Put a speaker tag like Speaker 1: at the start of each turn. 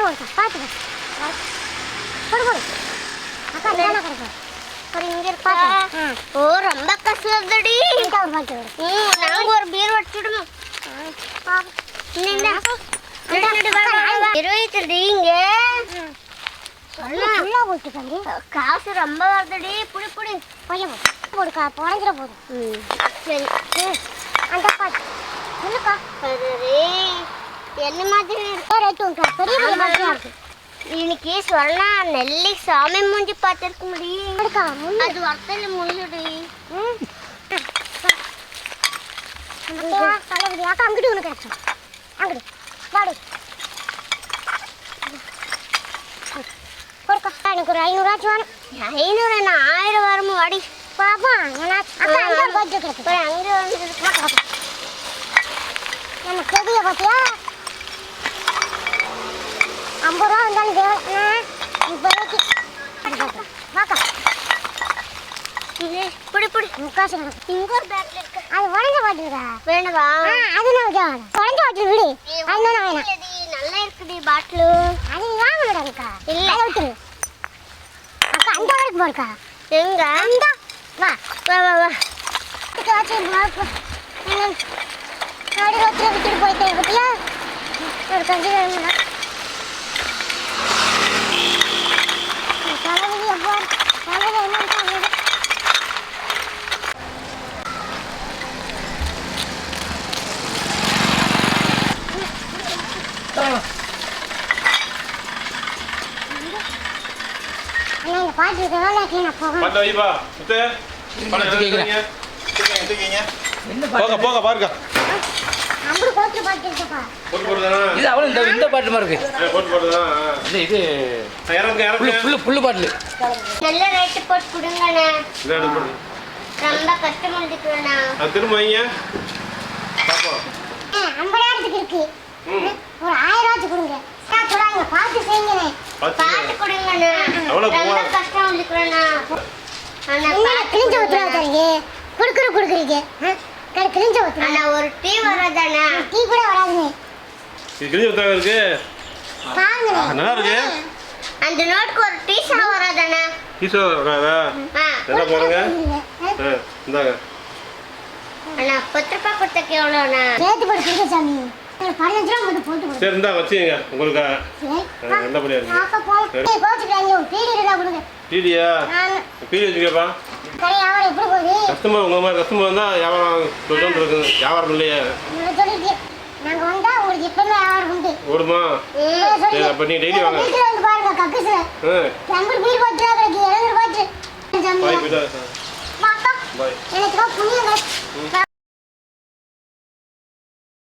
Speaker 1: போடுக்கா பார்த்து போடு போடு அக்கா என்ன கொடுக்க ஒரு இங்க இருக்கா ஓ ரொம்ப கஷ்டப்படி ஒரு பாக்கி நாங்க ஒரு பீர் வச்சிடுவோம் இந்த இருபத்தீங்க காசு ரொம்ப வருதுடி புடி புடி பையன் போடுக்கா புடஞ்சிட போதும் சரி அந்த பாட்டு இல்லக்கா என்ன மாதிரி பெரிய மாதிரி இருக்கு இன்னைக்கு சொன்னா நெல்லி சாமி மூஞ்சி பார்த்துருக்க முடியும் அது வர்த்தல முடியுடி அக்கா அங்கிட்டு ஒன்று கிடைச்சோம் அங்கிட்டு வாடு கொடுக்கா எனக்கு ஒரு 500 வேணும் 500 என்ன 1000 வருமா வாடி பாப்பா அக்கா அங்கே பட்ஜெட் இருக்கு அங்கே வந்து நம்ம செடியை பார்த்தியா 50 ரூபா வந்தாலும் தேவை இப்போதைக்கு வாக்கா புடி புடி முக்காசு இங்க ஒரு பேக்ல இருக்கு அது உடஞ்ச பாட்டிலுக்கா வேணவா அது நான் உடஞ்ச பாட்டில் விடு அது நான் வேணாம் நல்லா இருக்குடி பாட்டிலு அது வாங்கணுடாக்கா இல்லை விட்டுரு அக்கா அந்த வரைக்கும் போறக்கா எங்க அந்த வா வா வா வா நாடி ரோட்டில் விட்டுட்டு போயிட்டேன் பத்தியா ஒரு கஞ்சி வேணும்னா தலைவலி எப்போ தலைவலி என்னன்னு பாட்டு
Speaker 2: போக பாருங்க
Speaker 3: இந்த பாட்டு மாதிரி இருக்கு இது புல்லு பாட்டு
Speaker 1: நல்ல ரேட் போட்டு கொடுங்கண்ணே ரொம்ப கஷ்டமா இருக்குண்ணா
Speaker 2: திரும்ப வைங்க பாப்போம்
Speaker 1: 50,000 இருக்கு ஒரு 1000 கொடுங்க சொல்றாங்க பார்த்து செய்யுங்கண்ணே பார்த்து கொடுங்கண்ணே ரொம்ப கஷ்டம் இருக்குண்ணா அண்ணா கிழிஞ்ச ஊத்துறாதீங்க குடுக்குறீங்க கிழிஞ்ச ஊத்துறா அண்ணா ஒரு டீ வராதானே டீ கூட வராதுங்க
Speaker 2: இது கிழிஞ்ச ஊத்துறா இருக்கு
Speaker 1: பாருங்க
Speaker 2: நல்லா இருக்கு
Speaker 1: அந்த நோட்க்கு ஒரு டீ சா வராதானே
Speaker 2: டீ சா வராதா என்ன போறங்க இந்தாங்க
Speaker 1: அண்ணா 10 ரூபாய் கொடுத்தக்கு எவ்வளவுண்ணா சேர்த்து போட்டு கொடுங்க சாமி 15 ரூபாய் மட்டும் போட்டு கொடுங்க
Speaker 2: சரி இந்தா வச்சுங்க உங்களுக்கு நல்லபடியா இருக்கு
Speaker 1: பாப்பா போய் கோச்சுறாங்க ஒரு பீடி இருந்தா கொடுங்க
Speaker 2: பீடியா பீடி வச்சுக்கப்பா
Speaker 1: கடை வியாபாரம் எப்படி போகுது
Speaker 2: கஸ்டமர் உங்க மாதிரி கஸ்டமர் வந்தா வியாபாரம் சொல்லிட்டு இருக்கு வியாபாரம் இல்லையா
Speaker 1: சொல்லிட்டு நாங்க வந்தா உங்களுக்கு எப்பவுமே வியாபாரம் உண்டு
Speaker 2: ஓடுமா சரி அப்ப நீ டெய்லி வாங்க
Speaker 1: வீட்டுல வந்து பாருங்க கக்குஸ் நம்பர் பீர் போட்டு கிடக்கு 200 ரூபாய்
Speaker 2: பாய் பிடா
Speaker 1: பாப்பா
Speaker 2: பாய்
Speaker 1: எனக்கு புண்ணியம்